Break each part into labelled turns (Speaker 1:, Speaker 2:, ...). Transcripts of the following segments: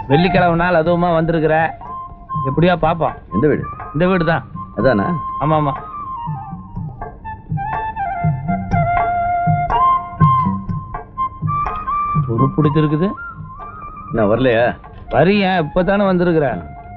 Speaker 1: வெள்ளிக்கிழமை நாள் அதுவுமா வந்திருக்கிற, எப்படியா பாப்போம்.
Speaker 2: எந்த வீடு?
Speaker 1: இந்த வீடு தான்.
Speaker 2: அதானா?
Speaker 1: ஆமா ஆமா. துரு பிடிச்சிருக்குது.
Speaker 2: நான் வரலையா?
Speaker 1: வரியா, இப்பதானே வந்திருக்கிற.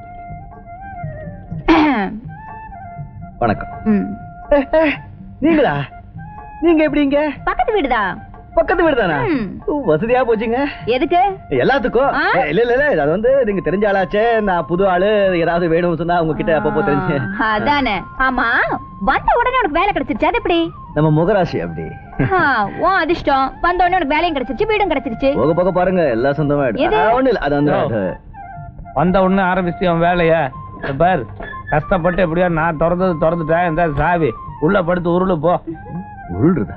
Speaker 2: வணக்கம். நீங்களா? நீங்க எப்படிங்க?
Speaker 3: பக்கத்து வீடுதான்.
Speaker 2: பக்கத்து வீடு தானா? வசதியா போச்சுங்க.
Speaker 3: எதுக்கு?
Speaker 2: எல்லாத்துக்கும். இல்ல இல்ல இல்ல, அது வந்து நீங்க தெரிஞ்ச ஆளாச்சே. நான் புது ஆளு, ஏதாவது வேணும்னு சொன்னா உங்ககிட்ட அப்பப்போ தெரிஞ்சு.
Speaker 3: அதானே. ஆமா, வந்த உடனே உனக்கு வேலை கிடைச்சிருச்சு, அது எப்படி?
Speaker 2: நம்ம முகராசி அப்படி.
Speaker 3: உன் அதிர்ஷ்டம், வந்த உடனே உனக்கு வேலையும் கிடைச்சிருச்சு, வீடும் கிடைச்சிருச்சு.
Speaker 2: போக போக பாருங்க எல்லாம் சொந்தமா. ஒண்ணு இல்ல, அது வந்து
Speaker 1: வந்த உடனே ஆரம்பிச்சு அவன் வேலைய பாரு. கஷ்டப்பட்டு எப்படியா நான் திறந்துட்டேன். இந்த சாவி உள்ள படுத்து உருளு போ.
Speaker 2: உருள்றதா?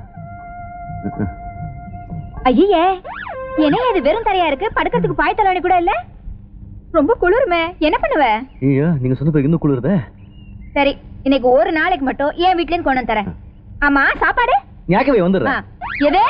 Speaker 3: ஐயே, என்ன இது வெறும் தரையா இருக்கு? படுக்கிறதுக்கு பாய் தலவாணி கூட இல்ல. ரொம்ப குளிருமே, என்ன பண்ணுவ?
Speaker 2: ஐயோ, நீங்க சொந்த போய் இன்னும் குளிருதே.
Speaker 3: சரி, இன்னைக்கு ஒரு நாளைக்கு மட்டும் என் வீட்ல இருந்து கொண்டு வந்து தரேன். ஆமா, சாப்பாடு
Speaker 2: ஞாக்கவே வந்துடுறேன்.
Speaker 3: எது?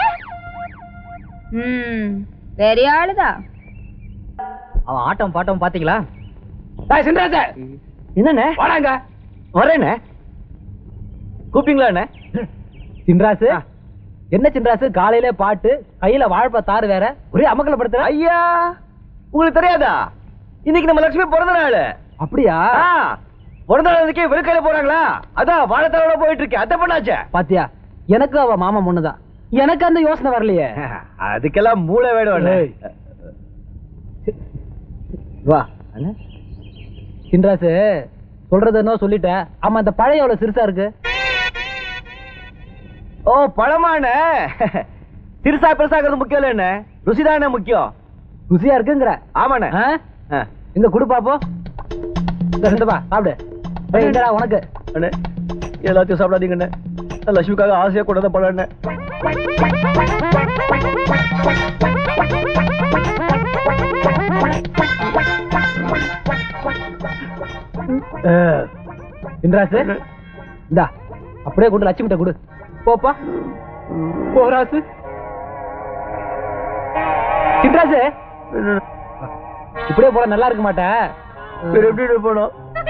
Speaker 3: பெரிய ஆளுதான்.
Speaker 4: அவன் ஆட்டம் பாட்டம் பாத்தீங்களா?
Speaker 2: என்னண்ணே?
Speaker 1: வாடாங்க.
Speaker 2: வரேண்ணே. கூப்பிட்டீங்களா அண்ணே?
Speaker 4: சின்ராசு, என்ன சின்ராசு காலையில பாட்டு, கையில வாழைப்பா தாறு வேற, ஒரே அமக்கல படுத்துற.
Speaker 2: ஐயா, உங்களுக்கு தெரியாதா? இன்னைக்கு நம்ம லட்சுமி பிறந்த நாள்.
Speaker 4: அப்படியா?
Speaker 2: பிறந்த நாளுக்கே வெறுக்கையில போறாங்களா? அதான் வாழைத்தாரோட போயிட்டு இருக்கேன். அத்தை பண்ணாச்சே பாத்தியா?
Speaker 4: எனக்கு அவ மாமா முன்னதான். எனக்கு அந்த யோசனை வரலையே.
Speaker 2: அதுக்கெல்லாம் மூளை வேணும்.
Speaker 4: வா சின்ராசு, சொல்றது என்ன சொல்லிட்ட. ஆமா, அந்த பழைய எவ்வளவு சிறுசா இருக்கு?
Speaker 2: ஓ, பழமான சிறுசா பெருசாகிறது முக்கியம் இல்ல, என்ன ருசிதானே முக்கியம்.
Speaker 4: ருசியா இருக்குங்கிற?
Speaker 2: ஆமாண்ணே.
Speaker 4: எங்க குடு பாப்போம். சாப்பிடு. உனக்கு
Speaker 2: அண்ணே, எல்லாத்தையும் சாப்பிடாதீங்கண்ணே. லட்சுமிக்காக ஆசையா கூட தான் பழம்.
Speaker 4: சின்ராசு, இந்தா அப்படியே கொண்டு லட்சுமிட்ட கொடு. போப்பா போராசு. சின்ராசு, இப்படியே போற நல்லா இருக்க மாட்டேன்.
Speaker 2: எப்படி போனோம்?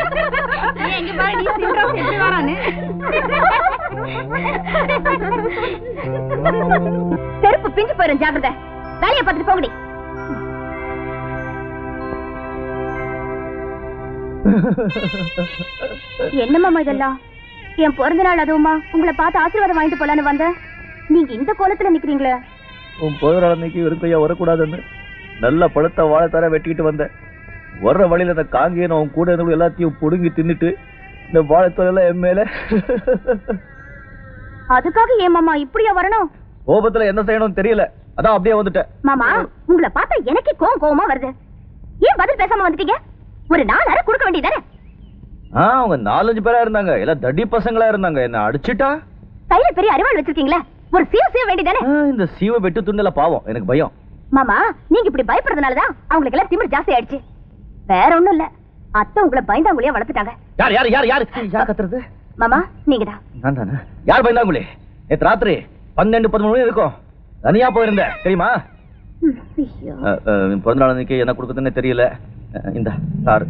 Speaker 3: செருப்பு பிஞ்சு போயிரும், ஜாக்கிரதை. வேலையை பார்த்துட்டு போங்கடி. என்ன மாமா இதெல்லாம்? என் பிறந்த நாள் அதுவுமா உங்களை பார்த்து ஆசீர்வாதம் வாங்கிட்டு போலான்னு வந்தேன். நீங்க இந்த கோலத்துல நிக்கிறீங்களே.
Speaker 2: உன் பிறந்த நாள் அன்னைக்கு வெறும் கையா வரக்கூடாதுன்னு நல்ல பழுத்த வாழைத்தார வெட்டிக்கிட்டு வந்தேன். வர்ற வழியில இந்த காங்கேயன் அவன் கூட இருந்த எல்லாத்தையும் புடுங்கி தின்னுட்டு இந்த வாழைத்தாரெல்லாம் என் மேல.
Speaker 3: அதுக்காக ஏன் மாமா இப்படியா வரணும்?
Speaker 2: கோபத்துல என்ன செய்யணும்னு தெரியல, அதான் அப்படியே வந்துட்டேன்.
Speaker 3: மாமா, உங்களை பார்த்தா எனக்கே கோவமா வருது. ஏன் பதில் பேசாம வந்துட்டீங்க? ஒரு 4 அரை கொடுக்க வேண்டியதானே?
Speaker 2: அவங்க 4-5 பேரா இருந்தாங்க, எல்லாம் தடி பசங்களா இருந்தாங்க. என்ன அடிச்சுட்டா?
Speaker 3: கையில பெரிய அறிவாள் வச்சிருக்கீங்களே, ஒரு சீவ வேண்டியதானே?
Speaker 2: இந்த சீவ வெட்டு துண்டல பாவம், எனக்கு பயம்.
Speaker 3: மாமா, நீங்க இப்படி பயப்படுறதுனாலதான் அவங்களுக்கு எல்லாம் திமிர் ஜாஸ்தி ஆயிடுச்சு. வேற ஒண்ணும் இல்ல, அத்தை உங்களை பயந்தாங்குழியா வளர்த்துட்டாங்க.
Speaker 2: யார் யார் யார் யார் யார் கத்துறது?
Speaker 3: மாமா, நீங்கதான்.
Speaker 2: நான் தானே. யார் பயந்தாங்குழி? நேற்று ராத்திரி 12-13 மணி இருக்கும், தனியா போயிருந்தேன் தெரியுமா? பிறந்த நாள் அன்னைக்கு என்ன கொடுக்குதுன்னு தெரியல. இந்த சார்.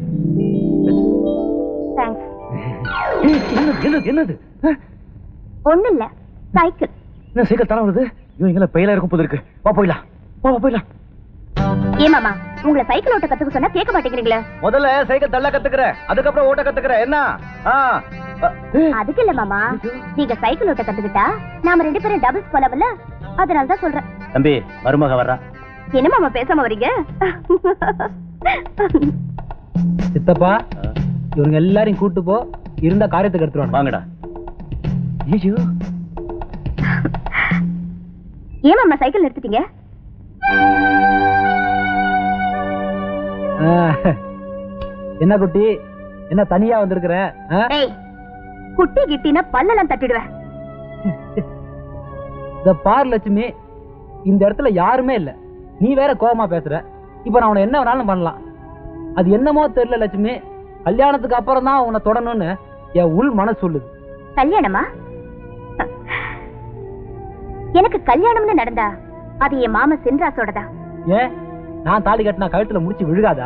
Speaker 2: என்னது?
Speaker 3: ஒண்ணு இல்ல, சைக்கிள்.
Speaker 2: என்ன சைக்கிள் தானே வருது? இவங்க பெயிலா இருக்கும் போது இருக்கு. வா போயிடலாம், போயிடலாம்.
Speaker 3: ஏன் மாமா, உங்களை சைக்கிள் ஓட்ட கத்துக்க சொன்னா கேட்க மாட்டேங்கிறீங்களே?
Speaker 2: முதல்ல சைக்கிள் தள்ள கத்துக்கிறேன், அதுக்கப்புறம் ஓட்ட கத்துக்கிறேன். என்ன?
Speaker 3: அதுக்கு இல்ல மாமா, நீங்க சைக்கிள் ஓட்ட கத்துக்கிட்டா நாம 2 பேரும் டபுள்ஸ் போலாம்ல, அதனாலதான் சொல்றேன்.
Speaker 2: தம்பி, மருமக வர்றா.
Speaker 3: என்ன மாமா பேசாம வரீங்க?
Speaker 4: சித்தப்பா, இவங்க எல்லாரையும் கூட்டு போ, இருந்த காரியத்துக்கு எடுத்துருவாங்க.
Speaker 2: வாங்கடா. ஐயோ,
Speaker 3: ஏன் மாமா சைக்கிள் நிறுத்திட்டீங்க?
Speaker 4: என்ன குட்டி, என்ன தனியா வந்திருக்கிற?
Speaker 3: குட்டி கிட்டினா பல்லெல்லாம் தட்டிடுவேன்.
Speaker 4: இந்த பார் லட்சுமி, இந்த இடத்துல யாருமே இல்ல, நீ வேற கோபமா பேசுற. இப்ப நான் உன்னை என்ன வேணாலும் பண்ணலாம். அது என்னமோ தெரியல லட்சுமி, கல்யாணத்துக்கு அப்புறம் தான் உன்னை தொடணும்னு என் உள் மனசு சொல்லுது.
Speaker 3: கல்யாணமா? எனக்கு கல்யாணம்னு நடந்தா அது என் மாமா சின்ராசோடதா.
Speaker 4: ஏன் நான் தாலி கட்டினா கழுத்துல முடிச்சு விழுகாதா?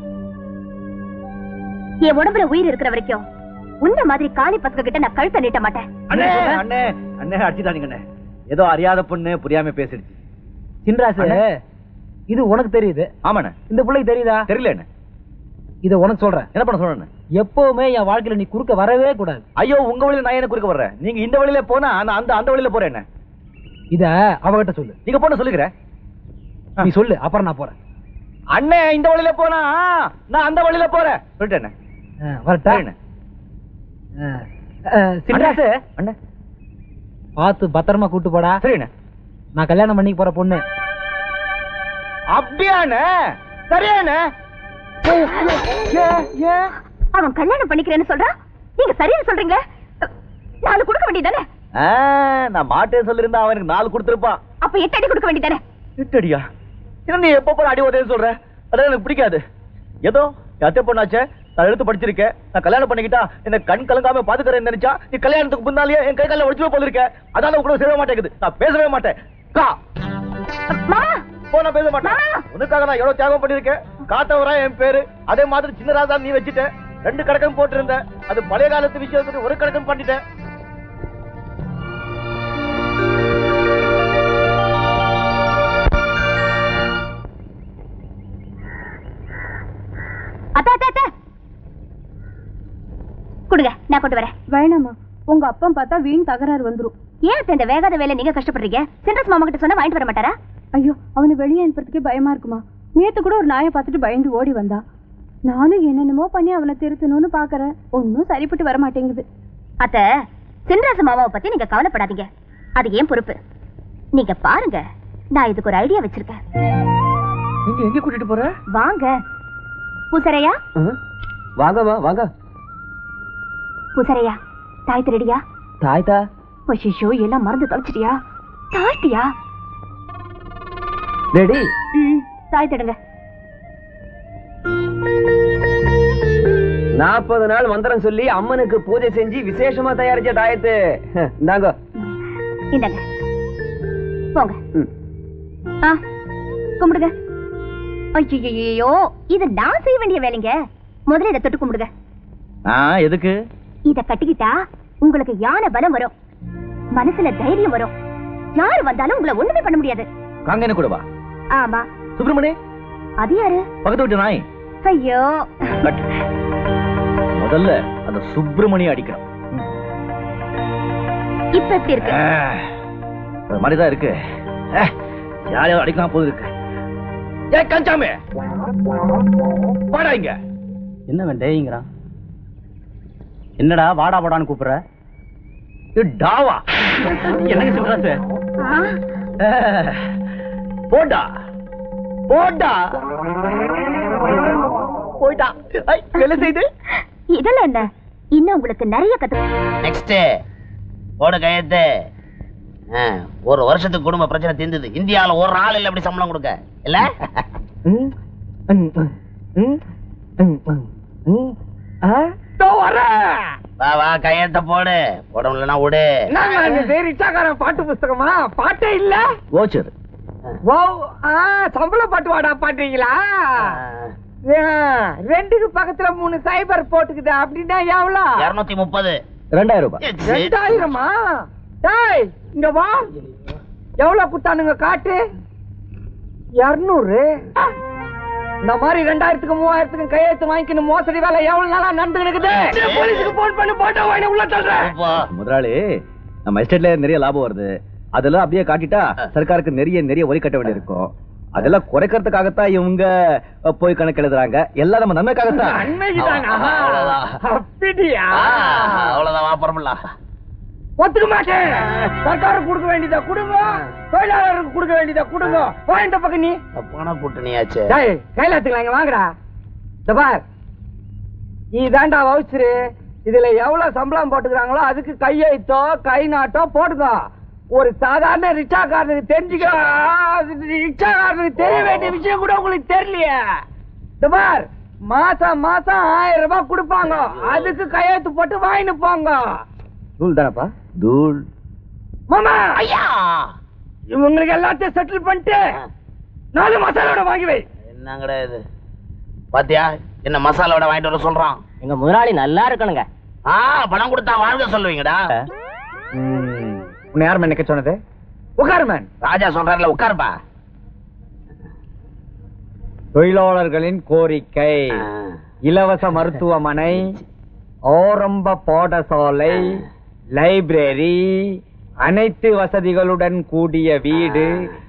Speaker 3: என் உடம்புல உயிர் இருக்கிற வரைக்கும் உன்ன மாதிரி காளி பசங்க கிட்ட நான் கழுத்தை நீட்ட மாட்டேன்.
Speaker 2: அண்ணே அண்ணே அண்ணே அடிச்சுட்டானுங்க அண்ணே. ஏதோ அறியாத பொண்ணு புரியாம பேசிடுச்சு.
Speaker 4: சின்ராசு, இது உனக்கு தெரியுது.
Speaker 2: ஆமாண்ணே.
Speaker 4: இந்த பிள்ளைக்கு தெரியுதா?
Speaker 2: தெரியல என்ன.
Speaker 4: இத உனக்கு சொல்றேன்.
Speaker 2: என்ன பண்ண சொல்றேன்?
Speaker 4: எப்பவுமே என் வாழ்க்கையில நீ குறுக்க வரவே கூடாது.
Speaker 2: ஐயோ, உங்க வழியில நான் என்ன குறுக்க வர்றேன்? நீங்க இந்த வழியில போனா நான் அந்த வழியில போறேன். என்ன
Speaker 4: இத அவகிட்ட சொல்லு.
Speaker 2: நீங்க போன சொல்லுகிறேன்.
Speaker 4: நீ சொல்லு, அப்புறம் நான் போறேன்.
Speaker 2: அண்ணே இந்த வழியில போனா நான் அந்த வழியில போறேன் சொல்லிட்டேன்.
Speaker 4: வரட்டா? சின்ராசு,
Speaker 2: அண்ணே
Speaker 4: பார்த்து பத்திரமா கூட்டு போடா.
Speaker 2: சரிண்ணே.
Speaker 4: நான் கல்யாணம் பண்ணிக்க போற பொண்ணு.
Speaker 2: அப்படியாண்ணே? சரியாண்ணே.
Speaker 3: அவன் கல்யாணம் பண்ணிக்கிறேன்னு சொல்றான், நீங்க சரியா சொல்றீங்க. 4 கொடுக்க வேண்டியதானே?
Speaker 2: நான் மாட்டே சொல்லிருந்தா அவனுக்கு 4 கொடுத்திருப்பான்.
Speaker 3: அப்ப 8 அடி கொடுக்க வேண்டியதானே?
Speaker 2: 8 அடியா? என்ன நீ எப்ப போற அடி உதவி சொல்ற? அதான் எனக்கு பிடிக்காது. ஏதோ அத்தை பொண்ணாச்சே, நான் எடுத்து படிச்சிருக்கேன். நான் கல்யாணம் பண்ணிக்கிட்டா என்ன கண் கலங்காம பாத்துக்கிறேன்னு நினைச்சா நீ கல்யாணத்துக்கு முன்னாலேயே என் கை கால உடைச்சு போலிருக்க. அதால கூட சேரவே மாட்டேங்குது. நான் பேசவே மாட்டேன். போன பேச மாட்டேன். உனக்காக நான் எவ்வளவு தியாகம் பண்ணிருக்கேன். காத்தவரா என் பேரு. அதே மாதிரி சின்ன ராசா நீ வச்சுட்ட. 2 கடக்கம் போட்டிருந்த. அது பழைய காலத்து விஷயத்துக்கு ஒரு கடக்கம் பண்ணிட்டேன்.
Speaker 3: கொடுங்க, நான் கொண்டு வரேன்.
Speaker 5: வேணாமா, உங்க அப்பா பார்த்தா வீண் தகராறு வந்துரும்.
Speaker 3: ஏன் இந்த வேகாத வேலை நீங்க கஷ்டப்படுறீங்க? சின்ராஸ் மாமா கிட்ட சொன்னா வாங்கிட்டு வர மாட்டாரா?
Speaker 5: ஐயோ, அவனை வெளியே அனுப்புறதுக்கே பயமா இருக்குமா. நேத்து கூட ஒரு நாயை பார்த்துட்டு பயந்து ஓடி வந்தா. நானும் என்னென்னமோ பண்ணி அவனை திருத்தணும்னு பாக்குறேன். ஒன்னும் சரிப்பட்டு வர மாட்டேங்குது.
Speaker 3: அத்த, சின்ராஸ் மாமாவை பத்தி நீங்க கவலைப்படாதீங்க. அது ஏன் பொறுப்பு. நீங்க பாருங்க, நான் இதுக்கு ஒரு ஐடியா வச்சிருக்கேன்.
Speaker 2: நீங்க எங்க கூட்டிட்டு போற?
Speaker 3: வாங்க பூசரையா.
Speaker 4: வாங்கம்மா வாங்க.
Speaker 3: பூசரையா, தாய்த்து ரெடியா?
Speaker 4: தாய்தா?
Speaker 3: ஐயோ, எல்லாம் மறந்து தொலைச்சிட்டியா? தாய்த்தியா?
Speaker 4: ரெடி.
Speaker 3: தாய்த்திடுங்க.
Speaker 4: 40 நாள் மந்திரம் சொல்லி அம்மனுக்கு பூஜை செஞ்சு விசேஷமா தயாரிச்ச தாயத்து. இந்தாங்க.
Speaker 3: இந்தாங்க, போங்க. கும்பிடுங்க. ஐயோ, இது நான் செய்ய வேண்டிய வேலைங்க. முதல்ல இதை தொட்டு கும்பிடுங்க.
Speaker 2: எதுக்கு?
Speaker 3: இத கட்டிக்கிட்டா உங்களுக்கு யானை பலம் வரும், மனசுல தைரியம் வரும். யாரு வந்தாலும் உங்களை ஒண்ணுமே பண்ண முடியாது.
Speaker 2: காங்கேன கூட வா.
Speaker 3: ஆமா.
Speaker 2: சுப்பிரமணி
Speaker 3: அது யாரு?
Speaker 2: பக்கத்து வீட்டு நாய்.
Speaker 3: ஐயோ,
Speaker 2: முதல்ல அந்த சுப்பிரமணி அடிக்கணும்.
Speaker 3: இப்ப எப்படி இருக்கு?
Speaker 2: அது மாதிரிதான் இருக்கு. யாரையாவது அடிக்கலாம் போது இருக்கு. ஏ கஞ்சாமே, வாடா இங்க.
Speaker 4: என்ன வேண்டேங்கிறான்? என்னடா வாடா வாடான்னு கூப்பிடுற?
Speaker 2: டாவா என்னங்க சொல்ற? போடா போடா போடா. வேலை செய்து
Speaker 3: இதெல்லாம் என்ன? இன்னும் உங்களுக்கு நிறைய கத்து.
Speaker 6: நெக்ஸ்ட் போடு கையெழுத்து. ஒரு வருஷத்துக்கு குடும்ப பிரச்சனை தீர்ந்தது. இந்தியாவில ஒரு ஆள் இல்ல அப்படி சம்பளம் கொடுக்க இல்ல. வா வா கையெழுத்த போடு. போட முடியலன்னா விடு.
Speaker 4: ரிச்சாக்காரன் பாட்டு புஸ்தகமா? பாட்டே இல்ல.
Speaker 2: கோச்சர்
Speaker 4: சம்பள பாட்டு வாடா பாட்டுறீங்களா? 2க்கு பக்கத்துல 3 சைபர் போட்டுக்குது. அப்படின்னா எவ்வளோ?
Speaker 6: 230.
Speaker 2: 2000 ரூபாய்.
Speaker 4: 2000மா? டேய் இங்க வா. எவ்வளவு குத்தானுங்க காட்டு? 200. இந்த மாதிரி 2000க்கு 3000க்கு கையெழுத்து வாங்கிக்கணும். மோசடி வேலை எவ்வளவு நாளா நடந்துக்கிட்டு? போலீஸுக்கு போன் பண்ணி போட்டோ வாங்கி உள்ள தள்ளுறேன்.
Speaker 2: முதலாளி, நம்ம எஸ்டேட்ல நிறைய லாபம் வருது. அதெல்லாம் அப்படியே காட்டிட்டா சர்க்காருக்கு நிறைய வரி கட்ட வேண்டி இருக்கும். அதெல்லாம் குறைக்கிறதுக்காகத்தான் இவங்க போய் கணக்கு எழுதுறாங்க. எல்லாம் நம்ம நன்மைக்காகத்தான்.
Speaker 4: அப்படியா?
Speaker 6: அவ்வளவுதான் வாப்பறமில்ல.
Speaker 4: ஒத்துக்க மாட்டேன். சர்க்காருக்கு கொடுக்க வேண்டியதா கொடுங்க, தொழிலாளருக்கு கொடுக்க வேண்டியதா கொடுங்க. இந்த பக்கம் நீ
Speaker 6: தப்பான கூட்டணியாச்சு.
Speaker 4: கைலாத்துக்கலாம் இங்க வாங்குறா. பார், இதாண்டா வவுச்சரு. இதுல எவ்வளவு சம்பளம் போட்டுக்கிறாங்களோ அதுக்கு கையெழுத்தோ கை நாட்டோ போட்டுக்கோ. ஒரு சாதாரண ரிக்ஷாக்காரனுக்கு தெரிஞ்சுக்க, ரிக்ஷாக்காரனுக்கு தெரிய வேண்டிய விஷயம் கூட உங்களுக்கு தெரியலையே. பார், மாசம் 1000 ரூபாய் கொடுப்பாங்க. அதுக்கு கையெழுத்து போட்டு வாங்கிட்டு போங்க.
Speaker 2: தூள் தானப்பா? தூள்.
Speaker 4: மாமா
Speaker 6: ஐயா,
Speaker 4: இவங்களுக்கு எல்லாத்தையும் செட்டில் பண்ணிட்டு 4 மசாலோட வாங்கி வை.
Speaker 6: என்னங்கடா இது பாத்தியா என்ன மசாலாவோட வாங்கிட்டு வர சொல்றான்.
Speaker 7: எங்க முதலாளி நல்லா இருக்கணுங்க.
Speaker 6: பணம் கொடுத்தா வாழ்க சொல்லுவீங்கடா.
Speaker 2: உன்னை யார் நிக்க சொன்னது? உட்காரு மேன்.
Speaker 6: ராஜா சொல்றாருல உட்காருப்பா.
Speaker 2: தொழிலாளர்களின் கோரிக்கை இலவச மருத்துவமனை, ஆரம்ப பாடசாலை, லைப்ரரி, அனைத்து வசதிகளுடன் கூடிய வீடு,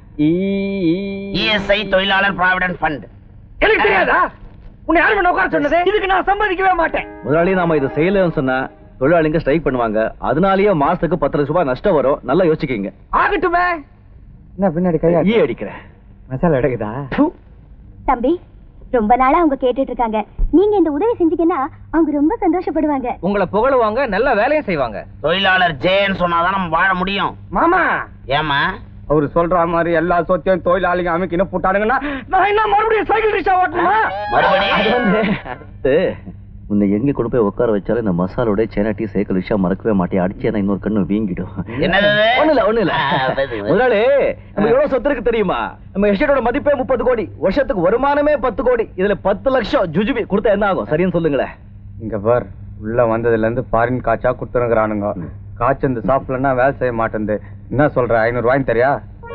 Speaker 6: இஎஸ்ஐ தொழிலாளர் ப்ராவிடன்ட் ஃபண்ட்.
Speaker 2: எனக்கு தெரியாதா? உன்னை யார் பண்ண உட்கார சொன்னது? இதுக்கு நான் சம்மதிக்கவே மாட்டேன்.
Speaker 8: முதலாளி நாம இதை செய்யலன்னு சொன்னா தொழிலாளிங்க ஸ்ட்ரைக் பண்ணுவாங்க. அதனாலயே மாசத்துக்கு 10 லட்சம் ரூபாய் நஷ்டம் வரும். நல்லா யோசிக்கீங்க.
Speaker 2: ஆகட்டுமே. என்ன பின்னாடி கையா
Speaker 8: ஈ அடிக்கிறேன்.
Speaker 2: மசாலா எடுக்குதா?
Speaker 3: தம்பி, ரொம்ப நாளா அவங்க கேட்டுட்டு இருக்காங்க. நீங்க இந்த உதவி செஞ்சீங்கன்னா அவங்க ரொம்ப சந்தோஷப்படுவாங்க.
Speaker 4: உங்களை புகழுவாங்க, நல்ல வேலையும் செய்வாங்க.
Speaker 6: தொழிலாளர் ஜேன்னு சொன்னாதான் நம்ம வாழ முடியும்.
Speaker 2: மாமா,
Speaker 6: ஏமா
Speaker 2: அவரு சொல்ற மாதிரி எல்லா சொத்தையும் தொழிலாளிங்க அமைக்கின்னு போட்டானுங்கன்னா நான் என்ன மறுபடியும் சைக்கிள் ரிக்ஷா ஓட்டணுமா?
Speaker 6: மறுபடியும்
Speaker 8: உன்னை எங்க கொண்டு போய் உட்கார வச்சாலும் இந்த மசாலோட சேனட்டி சைக்கிள் விஷயம் மறக்கவே மாட்டேன். அடிச்சேன்னா இன்னொரு கண்ணு வீங்கிடும். ஒண்ணு இல்ல முதலாளி, நம்ம எவ்வளவு சொத்து இருக்கு தெரியுமா? நம்ம எஸ்டேட்டோட மதிப்பே 30 கோடி, வருஷத்துக்கு வருமானமே 10 கோடி. இதுல 10 லட்சம் ஜுஜுபி கொடுத்தா என்ன ஆகும்? சரின்னு சொல்லுங்களேன்.
Speaker 2: இங்க பார், உள்ள வந்ததுல இருந்து பாரின் காய்ச்சா குடுத்துருங்கிறானுங்க. காய்ச்சந்து சாப்பிடலன்னா வேலை செய்ய மாட்டேன். என்ன சொல்ற? 500 ரூபாய் தெரியா?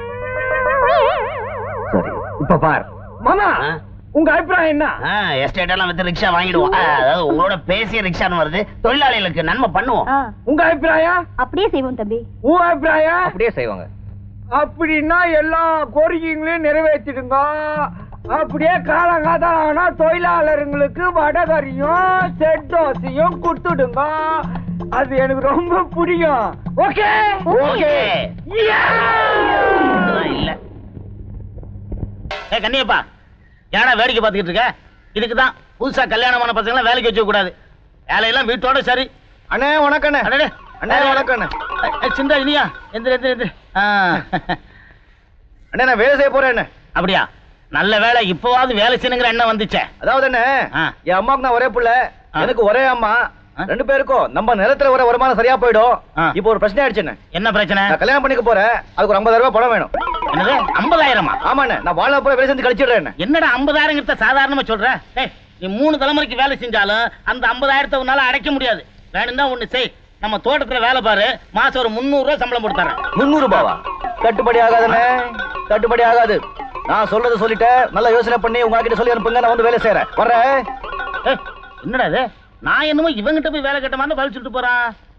Speaker 8: சரி,
Speaker 2: இப்ப பார் மாமா, உங்க அபிப்பிராயம் என்ன?
Speaker 6: எஸ்டேட் எல்லாம் வித்து ரிக்ஷா வாங்கிடுவோம். அதாவது உங்களோட பேசிய ரிக்ஷான்னு வருது, தொழிலாளிகளுக்கு நன்மை பண்ணுவோம்.
Speaker 2: உங்க அபிப்பிராயம்?
Speaker 3: அப்படியே செய்வோம் தம்பி.
Speaker 2: உங்க அபிப்பிராயம்?
Speaker 4: அப்படியே செய்வாங்க.
Speaker 2: அப்படின்னா எல்லா கோரிக்கைகளையும் நிறைவேற்றிடுங்க. அப்படியே காலங்காத்தானா தொழிலாளர்களுக்கு வடகரியும் செட் தோசையும் கொடுத்துடுங்க. அது எனக்கு ரொம்ப பிடிக்கும். Okay
Speaker 6: okay. இல்ல கண்ணியப்பா, ஏன்னா வேடிக்கை பார்த்துக்கிட்டு இருக்க? இதுக்குதான் புதுசா கல்யாணமான பசங்க வேலைக்கு வச்சுக்க கூடாது. வேலையெல்லாம் வீட்டோட சரி.
Speaker 2: அண்ணே வணக்கம்.
Speaker 6: அடடே
Speaker 2: அண்ணே வணக்கம்.
Speaker 6: சிந்தா இனியா எந்திர எந்திர எந்திர.
Speaker 2: அண்ணே நான் வேலை செய்ய போறேன்.
Speaker 6: அப்படியா? நல்ல வேலை, இப்பவாவது வேலை செய்யணுங்கிற எண்ணம் வந்துச்சே.
Speaker 2: அதாவது என்ன, என் அம்மாவுக்கு நான் ஒரே புள்ள, எனக்கு ஒரே அம்மா. 2 பேருக்கும் நம்ம நிலத்துல வர வருமானம் சரியா போயிடும். இப்போ ஒரு பிரச்சனை ஆயிடுச்சு.
Speaker 6: என்ன பிரச்சனை?
Speaker 2: நான் கல்யாணம் பண்ணிக்க போறேன். அதுக்கு ஒரு 50,000 ரூபாய் பணம் வேணும்.
Speaker 6: என்னது 50,000?
Speaker 2: ஆமாண்ணே, நான் வாழ்நாள் பூரா வேலை செஞ்சு கழிச்சிடுறேன்.
Speaker 6: என்னடா 50,000 சாதாரணமா சொல்ற? நீ 3 தலைமுறைக்கு வேலை செஞ்சாலும் அந்த 50,000 உன்னால அடைக்க முடியாது. வேணும்தான் ஒண்ணு செய், நம்ம தோட்டத்துல வேலை பாரு, மாசம் ஒரு 300 ரூபாய் சம்பளம் போட்டுறேன்.
Speaker 2: 300 ரூபாவா? கட்டுப்படி ஆகாதுண்ணே, கட்டுப்படி ஆகாது. நான் சொல்றதை சொல்லிட்டேன். நல்லா யோசனை பண்ணி உங்ககிட்ட சொல்லி அனுப்புங்க. நான் வந்து வேலை செய்யறேன். வர்றேன்.
Speaker 6: என்னடா இது? நான் என்னமோ இவங்கிட்ட போய் வேலை கேட்ட மாதிரி பதில் சொல்லிட்டு போறான்.